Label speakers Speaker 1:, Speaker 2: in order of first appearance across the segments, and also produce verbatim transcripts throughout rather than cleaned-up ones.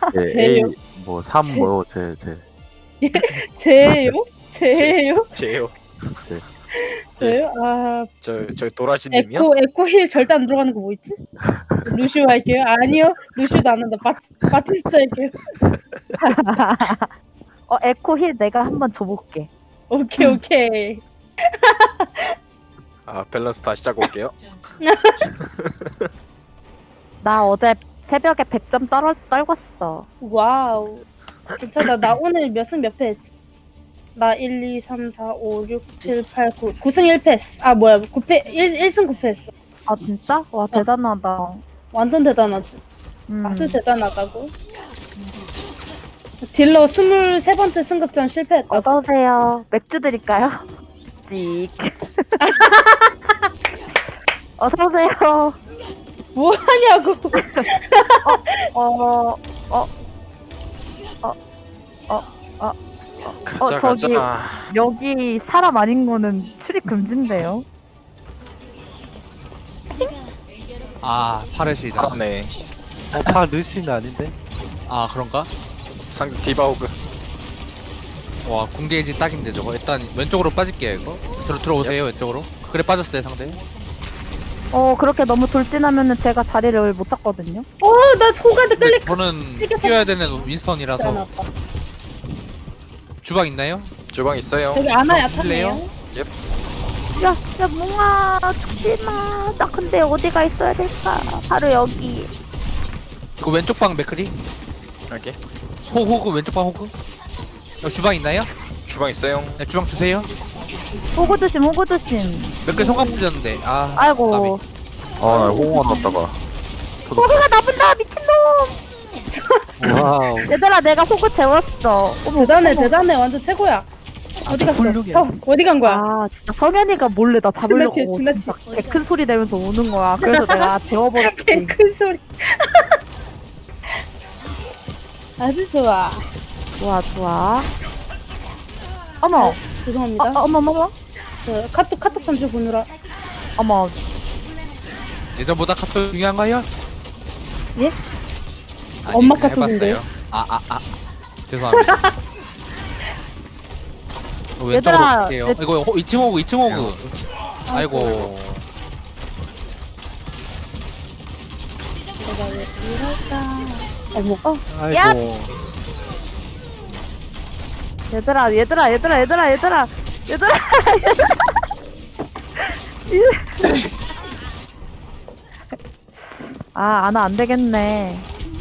Speaker 1: 네,
Speaker 2: 제요?
Speaker 1: A 뭐 삼
Speaker 2: 제-
Speaker 1: 뭐 제 제
Speaker 2: 제요? 제요?
Speaker 3: 제요.
Speaker 1: 제.
Speaker 2: 제요? 아
Speaker 3: 저 저 도라지님이요?
Speaker 2: 에코 에코 힐 절대 안 들어가는 거 뭐 있지? 루슈 할게요. 아니요, 루슈도 안 한다. 바 바티스트 할게요.
Speaker 4: 어 에코 힐 내가 한번 줘볼게.
Speaker 2: 오케이 오케이.
Speaker 3: 아 밸런스 다시 짜고 올게요.
Speaker 4: 나 어제 새벽에 백 점 떨어 떨궜어.
Speaker 2: 와우. 괜찮아. 나 오늘 몇 승 몇 패 했지? 나 일, 이, 삼, 사, 오, 육, 칠, 팔, 구. 구 승 일 패 했어. 아 뭐야? 구 패 일, 일 승 구 패 했어.
Speaker 4: 아 진짜? 와 대단하다.
Speaker 2: 완전 대단하지.
Speaker 4: 음.
Speaker 2: 아주 대단하다고. 딜러 스물세 번째 승급전 실패했다.
Speaker 4: 어서 오세요. 맥주 드릴까요? 찍. 어서 오세요.
Speaker 2: 뭐 하냐고.
Speaker 4: 어, 어, 어, 어, 어,
Speaker 3: 가자
Speaker 4: 어, 저기-
Speaker 3: 가자.
Speaker 4: 여기 사람 아닌 거는 출입 금지인데요.
Speaker 5: 아 파르시다.
Speaker 3: 잘하네.
Speaker 6: 어, 파 르시는 아닌데?
Speaker 5: 아 그런가?
Speaker 3: 상대 디바우그.
Speaker 5: 와 궁게이지 딱인데 저거. 일단 왼쪽으로 빠질게요 이거. 들어 들어오세요 왼쪽으로. 그래 빠졌어요 상대.
Speaker 4: 어, 그렇게 너무 돌진하면은 제가 자리를 못 잡거든요.
Speaker 2: 어, 나 호가드
Speaker 5: 근데
Speaker 2: 클릭.
Speaker 5: 저는
Speaker 2: 찍혀서-
Speaker 5: 뛰어야 되는 윈스턴이라서.
Speaker 2: 잘해놨다.
Speaker 5: 주방 있나요?
Speaker 3: 주방 있어요.
Speaker 2: 저기 아나
Speaker 5: 저 주실래요?
Speaker 2: 약하네요.
Speaker 4: 야, 야, 몽아, 죽지 마. 나 근데 어디가 있어야 될까? 바로 여기.
Speaker 5: 그 왼쪽 방 맥크리.
Speaker 3: 이렇게
Speaker 5: 호 호그 왼쪽 방 호그. 어, 주방 있나요?
Speaker 3: 주방 있어요.
Speaker 5: 네 주방 주세요.
Speaker 4: 호구 조심, 호구 조심.
Speaker 5: 맥크리 성감 부졌는데. 아
Speaker 4: 아이고.
Speaker 5: 나비.
Speaker 1: 아나 홍어 넣었다가
Speaker 4: 호구가 나쁜다, 미친놈.
Speaker 6: 와우.
Speaker 4: 얘들아, 내가 호구 재웠어. 어머,
Speaker 2: 대단해,
Speaker 4: 어머.
Speaker 2: 대단해. 완전 최고야. 어디 갔어?
Speaker 6: 훌륭해.
Speaker 2: 어, 어디 간 거야?
Speaker 4: 아, 진짜 성현이가 몰래 나 잡으려고
Speaker 2: 존나 튀어, 존나
Speaker 4: 진짜 개큰 소리 내면서 오는 거야. 그래서 내가 재워버렸지.
Speaker 2: 큰 소리. 아주 좋아.
Speaker 4: 좋아, 좋아. 어머,
Speaker 2: 죄송합니다.
Speaker 4: 어, 어머, 어머, 어머.
Speaker 2: 저 카톡 카톡 잠시 보느라.
Speaker 4: 어머.
Speaker 5: 예전보다 카톡 중요한가요?
Speaker 2: 예?
Speaker 5: 아니,
Speaker 2: 엄마
Speaker 5: 그냥
Speaker 2: 카톡인데요?
Speaker 5: 해봤어요. 아 아 아. 죄송합니다. 어, 왼쪽으로
Speaker 4: 얘들아,
Speaker 5: 갈게요.
Speaker 4: 내-
Speaker 5: 이거 호, 이 층 호그 이 층 호그. 아이고.
Speaker 2: 내가 왜 이럴까? 어머, 어,
Speaker 6: 아이고.
Speaker 4: 얘들아, 얘들아, 얘들아, 얘들아, 얘들아, 얘들아, 얘들아. 아, 아나 안 되겠네.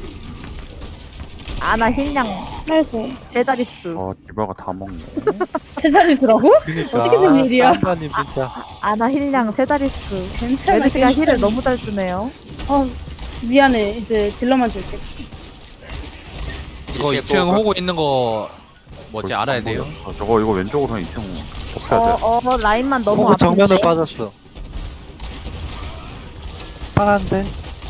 Speaker 4: 아나 힐량
Speaker 2: 아이고.
Speaker 4: 제자릿수.
Speaker 1: 어 디바가 다 먹네.
Speaker 2: 제자리수라고?
Speaker 6: 그니까.
Speaker 2: 어떻게 된 일이야?
Speaker 6: 쌈바님 진짜.
Speaker 4: 아나 힐량 세자릿수.
Speaker 2: 괜찮아.
Speaker 4: 메르시가 힐을
Speaker 2: 괜찮아.
Speaker 4: 너무 잘 쓰네요.
Speaker 2: 어, 미안해. 이제 딜러만 줄게.
Speaker 5: 이거 이 층 호그 있는 거 뭐지
Speaker 1: 벌써
Speaker 5: 알아야
Speaker 1: 안
Speaker 5: 돼요.
Speaker 1: 보여. 저거 이거 왼쪽으로 이 층
Speaker 4: 어,
Speaker 1: 덮여야 돼.
Speaker 4: 어, 라인만 너무
Speaker 6: 호구
Speaker 4: 아픈데.
Speaker 6: 정면을 빠졌어. 파란데?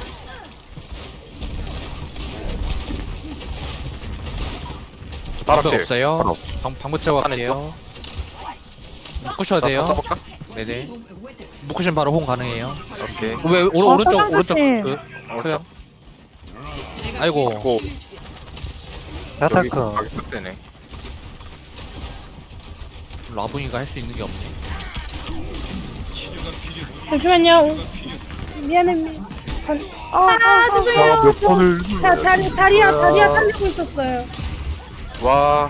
Speaker 3: 바로
Speaker 5: 방법
Speaker 3: 필.
Speaker 5: 없어요.
Speaker 1: 바로.
Speaker 5: 방 방부 채워
Speaker 3: 안
Speaker 5: 갈게요. 묶으셔야 돼요.
Speaker 3: 써볼까?
Speaker 5: 네네. 묶으시면 바로 홍 가능해요.
Speaker 3: 오케이.
Speaker 5: 왜 오른
Speaker 4: 어,
Speaker 5: 오른쪽
Speaker 4: 선생님.
Speaker 5: 오른쪽 그
Speaker 3: 어,
Speaker 5: 그요. 아이고
Speaker 3: 고 여기
Speaker 6: 야타커.
Speaker 3: 가게 딱 되네.
Speaker 5: 라붕이가 할 수 있는 게 없네.
Speaker 2: 잠시만요. 미안해. 미... 아, 아, 죄송해요.
Speaker 1: 아, 몇 번을
Speaker 2: 자, 자리, 자리야, 자리야 살리고 있었어요.
Speaker 3: 와.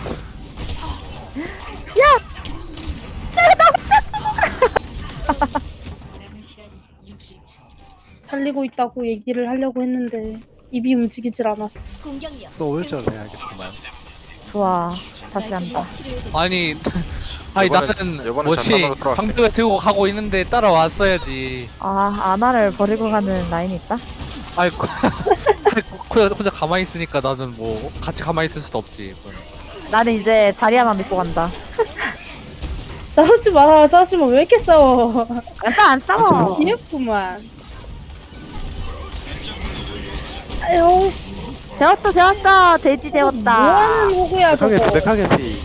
Speaker 2: 살리고 있다고 얘기를 하려고 했는데 입이 움직이질 않았어.
Speaker 6: 소울전 해야겠구만.
Speaker 4: 좋아. 다시 한다.
Speaker 5: 아니 아니
Speaker 3: 요번에-
Speaker 5: 나는
Speaker 3: 요번에
Speaker 5: 뭐지
Speaker 3: 장난으로 들어갈게.
Speaker 5: 방벽을 들고 가고 있는데 따라왔어야지.
Speaker 4: 아, 아나를 버리고 가는 라인이 있다?
Speaker 5: 아이 고- 아이, 혼자 혼자 가만히 있으니까 나는 뭐 같이 가만히 있을 수도 없지.
Speaker 4: 나는 이제 자리야만 믿고 간다.
Speaker 2: 싸우지 마. 싸우지 마. 왜 이렇게 싸워?
Speaker 4: 안 싸워, 안 싸워.
Speaker 2: 귀엽구만. 아유,
Speaker 4: 재웠어, 재웠어. 돼지 재웠다.
Speaker 2: 뭐하는 호구야
Speaker 6: 백하게
Speaker 2: 저거.
Speaker 6: 백하게 피.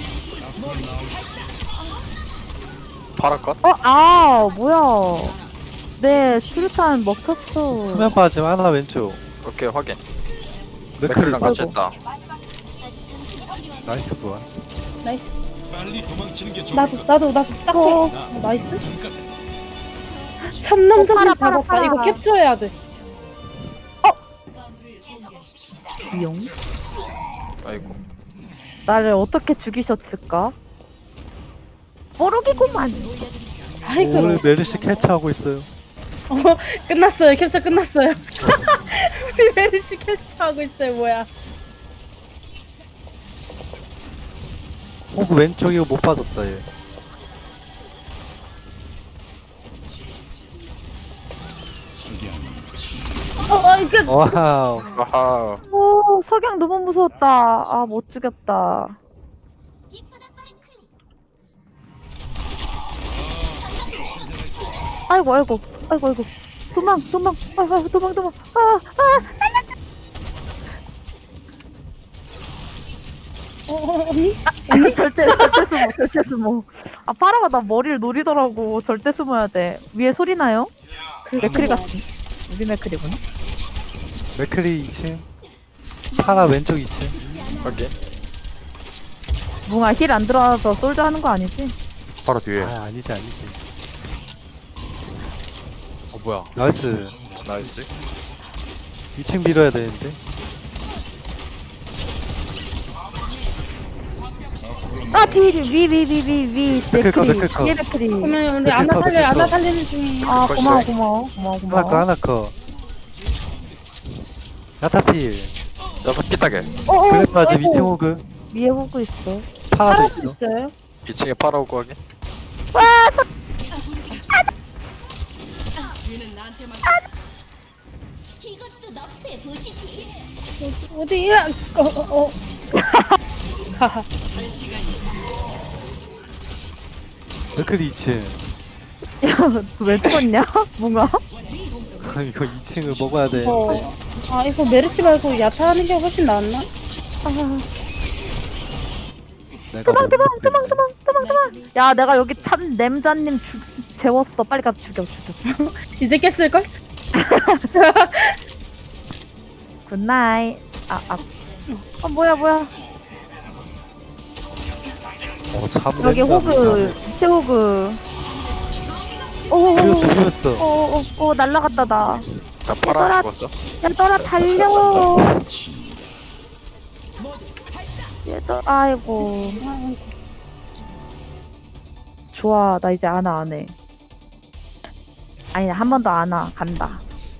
Speaker 3: 파라 컷?
Speaker 4: 어, 아, 뭐야. 네, 수류탄 먹혔어.
Speaker 6: 수면 빠짐 하나 왼쪽.
Speaker 3: 오케이 확인.
Speaker 6: 맥클
Speaker 3: 맥클이랑 같이 했다.
Speaker 6: 나이스 뭐야?
Speaker 2: 나이스. 나도 나도 나도 딱 어. 어, 나이스. 참남자님
Speaker 4: 어, 팔아, 팔아,
Speaker 2: 잡았다.
Speaker 4: 팔아.
Speaker 2: 이거 캡처해야 돼.
Speaker 4: 용.
Speaker 3: 아이고.
Speaker 4: 나를 어떻게 죽이셨을까? 모르겠구만.
Speaker 2: 아이고
Speaker 6: 오늘 메르시 캐치하고 있어요.
Speaker 2: 어, 끝났어요. 캡처 끝났어요. 우리 메르시 캡처하고 있어요. 뭐야?
Speaker 6: 호그 왼쪽 이거 못 받았다 얘.
Speaker 2: 어, 어, 이거
Speaker 6: 와우.
Speaker 3: 아하.
Speaker 4: 오, 석양 너무 무서웠다. 아, 못 죽였다. 아이고, 아이고, 아이고, 아이고. 도망, 도망, 아이고, 아이고, 도망, 도망. 아, 아,
Speaker 2: 어, 어, 언니?
Speaker 4: 아니, 절대, 절대 숨어, 절대 숨어. 아, 파라가 나 머리를 노리더라고. 절대 숨어야 돼. 위에 소리 나요? 맥크리 같은. 우리 맥크리구나.
Speaker 6: 맥클이 이 층. 파라 왼쪽 이 층.
Speaker 3: 오케이.
Speaker 4: 뭉아 힐 안 들어와서 솔저 하는 거 아니지?
Speaker 1: 바로 뒤에.
Speaker 6: 아 아니지 아니지.
Speaker 5: 어 뭐야?
Speaker 6: 나이스.
Speaker 3: 나이스.
Speaker 6: 이 층 밀어야 되는데.
Speaker 4: 아, 뒤, 위, 위, 위, 위, 위,
Speaker 6: 맥클 컷,
Speaker 4: 맥크리.
Speaker 6: 맥클 컷.
Speaker 4: 위에 맥크리.
Speaker 2: 그러면 우리
Speaker 6: 맥클
Speaker 2: 아나
Speaker 6: 커,
Speaker 2: 살려
Speaker 6: 맥클
Speaker 2: 아나
Speaker 6: 커.
Speaker 2: 살리는 중이에요.
Speaker 4: 아,
Speaker 3: 벌써
Speaker 4: 고마워,
Speaker 3: 돼.
Speaker 4: 고마워, 고마워,
Speaker 6: 하나
Speaker 4: 고마워.
Speaker 6: 커 하나 커. 야타필.
Speaker 3: 여섯 개 따게.
Speaker 4: 어, 어,
Speaker 6: 그래 빠지
Speaker 2: 아이고.
Speaker 6: 이 층 호그.
Speaker 4: 위에 보고 있어.
Speaker 6: 파라도
Speaker 2: 살수
Speaker 6: 있어.
Speaker 2: 있어요?
Speaker 3: 이 층에 파라오고 하게.
Speaker 2: 어디야? 어, 어, 어. 하하.
Speaker 6: 맥클이 이 층.
Speaker 4: 야, 왜 죽었냐? 뭔가?
Speaker 6: 이거 이 층을 먹어야 되는데.
Speaker 2: 어. 아 이거 메르시 말고 야타 하는 게 훨씬 낫나?
Speaker 6: 내가
Speaker 4: 도망,
Speaker 6: 못
Speaker 4: 도망,
Speaker 6: 먹겠네.
Speaker 4: 도망, 도망, 도망, 도망. 야, 내가 여기 참 냄자님 죽, 재웠어. 빨리 가서 죽여, 죽여.
Speaker 2: 이제 깼을걸?
Speaker 4: 굿나잇. 아, 아. 어, 뭐야, 뭐야.
Speaker 6: 어, 참
Speaker 4: 여기
Speaker 6: 냄새
Speaker 4: 호그, 새 호그. 오, 오,
Speaker 6: 나네.
Speaker 4: 오,
Speaker 6: 죽였어
Speaker 4: 오, 오, 오, 날라갔다, 나.
Speaker 3: 자 파라 죽었어.
Speaker 4: 얘들아, 달려. 얘들, 아이고. 좋아, 나 이제 안아, 안 해. 아니, 한 번 더 안아, 간다.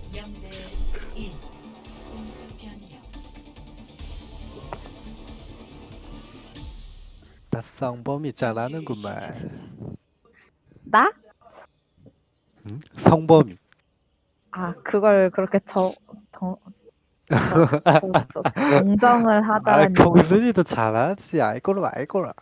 Speaker 6: 나 성범이 잘하는구만.
Speaker 4: 나?
Speaker 6: 응? 성범이.
Speaker 4: 아, 그걸 그렇게 저, 저, 저, 저, 저 정정을
Speaker 6: 아
Speaker 4: 하다니.
Speaker 6: 경순이도 잘하지. 알거라 알거라.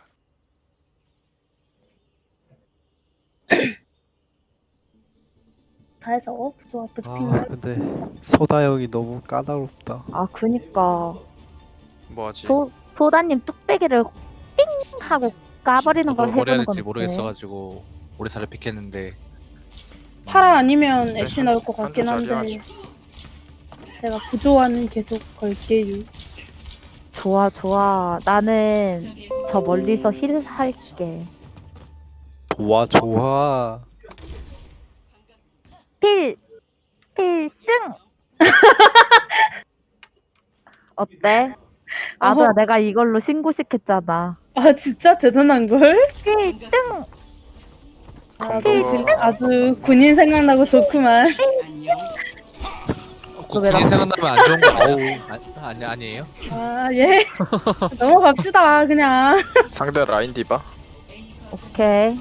Speaker 2: 다 해서 어? 좋아
Speaker 6: 아
Speaker 2: 득핑.
Speaker 6: 근데 소다 형이 너무 까다롭다.
Speaker 4: 아, 그니까.
Speaker 3: 뭐하지?
Speaker 4: 소, 소다님 뚝배기를 띵! 하고 까버리는
Speaker 5: 저도
Speaker 4: 걸
Speaker 5: 뭘 해야
Speaker 4: 해주는
Speaker 5: 될지
Speaker 4: 건데.
Speaker 5: 모르겠어가지고 오래 살을 픽했는데
Speaker 2: 파라 아니면 애쉬
Speaker 3: 한-
Speaker 2: 나올 것 같긴
Speaker 3: 한조 자리
Speaker 2: 한데 제가 부조화는 계속 걸게요.
Speaker 4: 좋아, 좋아. 나는 저 멀리서 힐 할게.
Speaker 6: 좋아 좋아.
Speaker 4: 필! 필승! 어때? 아들아,
Speaker 2: 어허.
Speaker 4: 내가 이걸로 신고시켰잖아.
Speaker 2: 아 진짜 대단한 걸?
Speaker 4: 필승!
Speaker 2: 아,
Speaker 3: 건강어.
Speaker 2: 아주 군인 생각나고 좋구만.
Speaker 4: 왜
Speaker 5: 군인
Speaker 4: 나-
Speaker 5: 생각나면 안 좋은 거 아우 아니 아니에요?
Speaker 2: 아 예. 넘어갑시다 그냥.
Speaker 3: 상대 라인 디바.
Speaker 4: 오케이.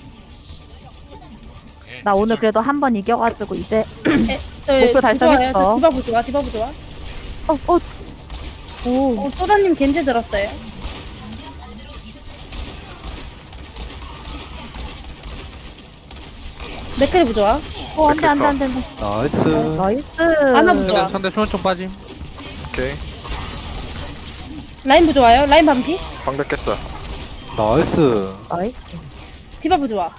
Speaker 4: 나 오늘 그래도 한 번 이겨가지고 이제
Speaker 2: 저희
Speaker 4: 목표 달성했어.
Speaker 2: 부조화예요. 디바 부조화 디바 부조화.
Speaker 4: 어, 어, 오,
Speaker 2: 어 소다님 겐지 들었어요. 맥크리 부조화.
Speaker 4: 어, 안돼, 안돼, 안돼, 안돼.
Speaker 6: 나이스.
Speaker 4: 나이스.
Speaker 2: 하나 부조화.
Speaker 5: 상대 상대 수면총 빠짐.
Speaker 3: 오케이.
Speaker 2: 라인 부조화요. 라인 반피.
Speaker 3: 방벽 깼어.
Speaker 6: 나이스.
Speaker 4: 나이스.
Speaker 2: 디바 부조화.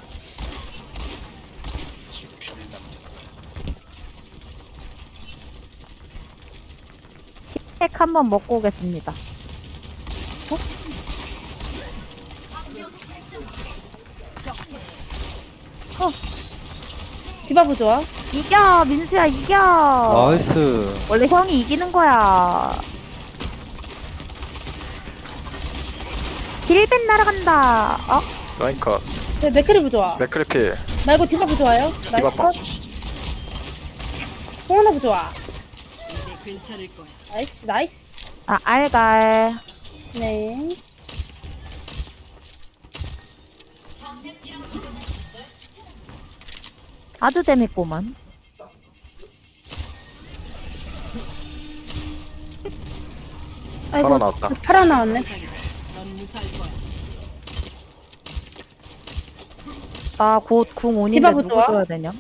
Speaker 4: 핵 한번 먹고 오겠습니다.
Speaker 2: 디바브 좋아.
Speaker 4: 이겨 민수야 이겨.
Speaker 6: 나이스.
Speaker 4: 원래 형이 이기는 거야. 힐벤 날아간다. 어?
Speaker 3: 라인 컷.
Speaker 2: 네, 맥크리브 좋아.
Speaker 3: 맥크리 필.
Speaker 2: 말고 디바브 좋아요. 나이스
Speaker 3: 디바빵.
Speaker 2: 컷. 홍원아브 좋아. 나이스 나이스.
Speaker 4: 아 알갈.
Speaker 2: 네.
Speaker 4: 아주 재밌구만.
Speaker 2: 아이고
Speaker 3: 팔아 나왔다.
Speaker 2: 팔아 나왔네.
Speaker 4: 나 곧 궁 온인데
Speaker 2: 디바브
Speaker 4: 누구
Speaker 2: 좋아?
Speaker 4: 줘야 되냐?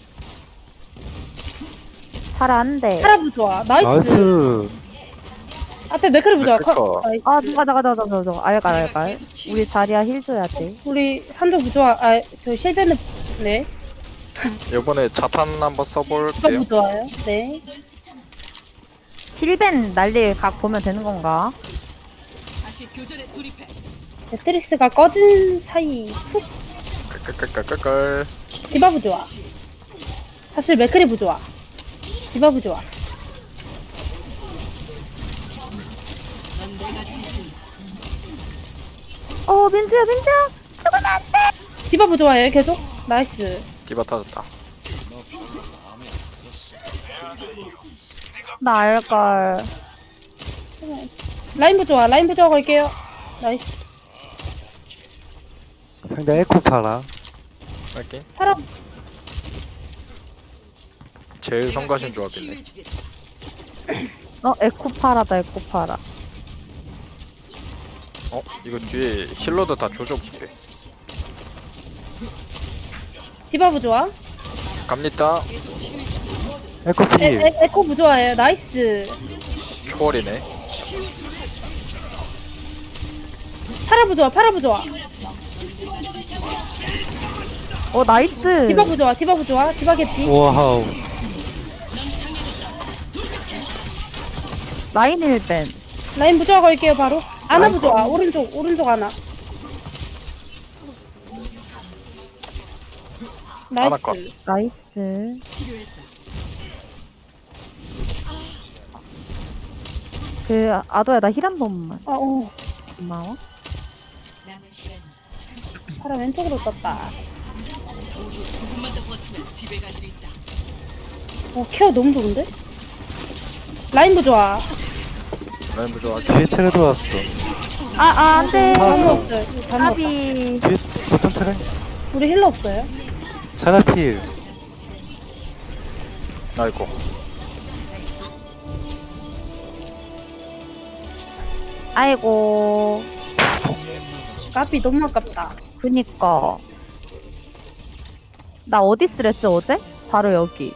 Speaker 4: 파라 한대.
Speaker 2: 파라브 좋아. 나이스.
Speaker 6: 나이스.
Speaker 2: 앞에 맥크리브 좋아.
Speaker 3: 맥크리
Speaker 2: 컷.
Speaker 3: 컷.
Speaker 2: 나이스.
Speaker 4: 아 누가 나가 나가 나가 나가 알갈 알갈. 우리 자리야 힐 줘야 돼.
Speaker 2: 우리 한조 좋아. 아저 실베는 네.
Speaker 3: 이번에 자탄 한번 써볼게요.
Speaker 2: 디바브 좋아요. 네.
Speaker 4: 힐벤 날릴 각 보면 되는 건가?
Speaker 2: 매트릭스가 꺼진 사이 훅
Speaker 3: 끌끌끌끌끌.
Speaker 2: 디바브 좋아. 사실 맥크리브 좋아. 디바브 좋아.
Speaker 4: 어 민수야 민수야.
Speaker 2: 디바브 좋아해요 계속. 나이스.
Speaker 3: 디바 터졌다.
Speaker 4: 나 알갈.
Speaker 2: 라인부 좋아. 라인부 좋아 걸게요. 나이스.
Speaker 6: 상대 에코 파라.
Speaker 3: 확인.
Speaker 2: 파라
Speaker 3: 제일 성가신 조합이네.
Speaker 4: 어 에코파라다 에코파라.
Speaker 3: 어? 이거 뒤에 힐러도 다 조져볼게.
Speaker 2: 디바브 좋아.
Speaker 3: 갑니다.
Speaker 6: 에코
Speaker 2: 에,
Speaker 6: 필.
Speaker 2: 에, 에코부 좋아해요. 나이스.
Speaker 3: 초월이네.
Speaker 2: 파라부 좋아. 파라부 좋아.
Speaker 4: 어 나이스.
Speaker 2: 디바부 좋아. 디바부 좋아. 디바 개피.
Speaker 6: 와우.
Speaker 4: 라인 힐벤.
Speaker 2: 라인부 좋아 걸게요 바로. 아나부 좋아. 오른쪽 오른쪽 아나.
Speaker 3: 아나
Speaker 2: 나이스.
Speaker 3: 컷.
Speaker 4: 나이스. 그 아도야 나 힐 한 번만.
Speaker 2: 어, 어.
Speaker 4: 고마워.
Speaker 2: 파라 왼쪽으로 떴다. 어 케어 너무 좋은데? 라인부 좋아.
Speaker 3: 라인 부좋아.
Speaker 6: 뒤에 틀에 들어왔어.
Speaker 4: 아아 안돼.
Speaker 2: 단무 없어요. 단무 없다.
Speaker 4: 까비.
Speaker 6: 뒤에 거점 틀에.
Speaker 2: 우리 힐러 없어요.
Speaker 6: 자라 필.
Speaker 3: 아이고.
Speaker 4: 아이고.
Speaker 2: 까비 너무 아깝다.
Speaker 4: 그니까. 나 어디 쓰랬어 어제? 바로 여기.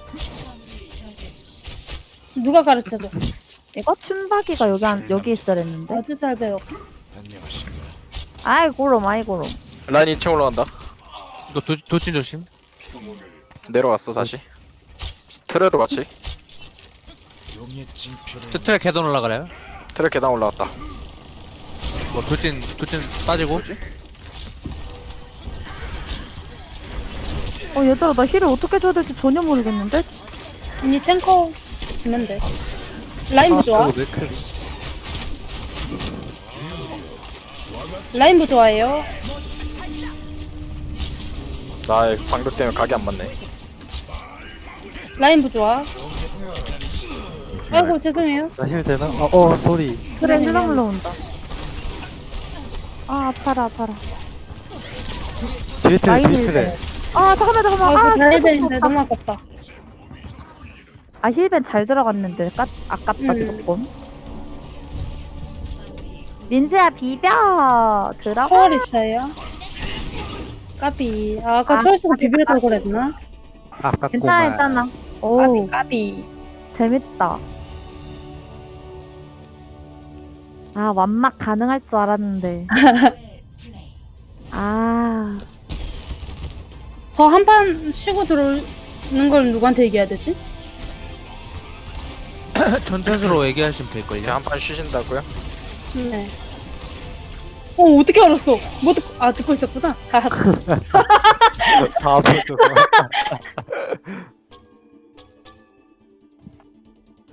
Speaker 2: 누가 가르쳐줘?
Speaker 4: 이거 춘박이가 여기 한 여기 있으랬는데.
Speaker 2: 아주 잘 배워.
Speaker 4: 아이고롬 아이고롬.
Speaker 3: 라인 이 층 올라간다.
Speaker 5: 이거 도, 도찐 조심.
Speaker 3: 내려갔어 다시. 트레도 같이.
Speaker 5: 트- 트랙 계단 올라가래요.
Speaker 3: 트레 계단 올라갔다.
Speaker 5: 뭐 도찐 도찐 빠지고.
Speaker 4: 어 얘들아 나 힐을 어떻게 줘야 될지 전혀 모르겠는데.
Speaker 2: 언니 탱커 주면 돼. 라인부 좋아.
Speaker 6: 그리고 맥크리.
Speaker 2: 라인부 좋아해요.
Speaker 3: 나의 방벽 때문에 각이 안 맞네.
Speaker 2: 라인부 좋아. 아이고 죄송해요.
Speaker 6: 나 힐 되나? 어, 어 쏘리.
Speaker 4: 그래 힐랑 올라온다. 아 아파라 아파라.
Speaker 6: 뒤에 틀에
Speaker 4: 라인
Speaker 6: 뒤에
Speaker 4: 힐
Speaker 6: 틀에.
Speaker 4: 아 잠깐만 잠깐만.
Speaker 2: 아이고
Speaker 4: 아
Speaker 2: 잘
Speaker 4: 진짜
Speaker 2: 되는데
Speaker 4: 무섭다.
Speaker 2: 너무 아깝다.
Speaker 4: 아 힐벤 잘 들어갔는데 까, 아깝다
Speaker 2: 음.
Speaker 4: 조금. 민지야 비벼 들어가.
Speaker 2: 초월 있어요. 까비. 아, 아까
Speaker 4: 아,
Speaker 2: 초월 쓰고
Speaker 4: 까비,
Speaker 2: 비비려고
Speaker 4: 까비.
Speaker 2: 그랬나?
Speaker 4: 괜찮아
Speaker 6: 아깝구만.
Speaker 4: 괜찮아.
Speaker 2: 까비
Speaker 4: 오
Speaker 2: 까비.
Speaker 4: 재밌다. 아 완막 가능할 줄 알았는데. 아
Speaker 2: 저 한 판 쉬고 들어오는 걸 누구한테 얘기해야 되지?
Speaker 5: 전체적으로 얘기하시면
Speaker 3: 이제
Speaker 5: 될걸요.
Speaker 3: 한 판 쉬신다고요?
Speaker 2: 네. 어 어떻게 알았어? 뭐 듣고 아 듣고 있었구나.
Speaker 6: 다 보죠.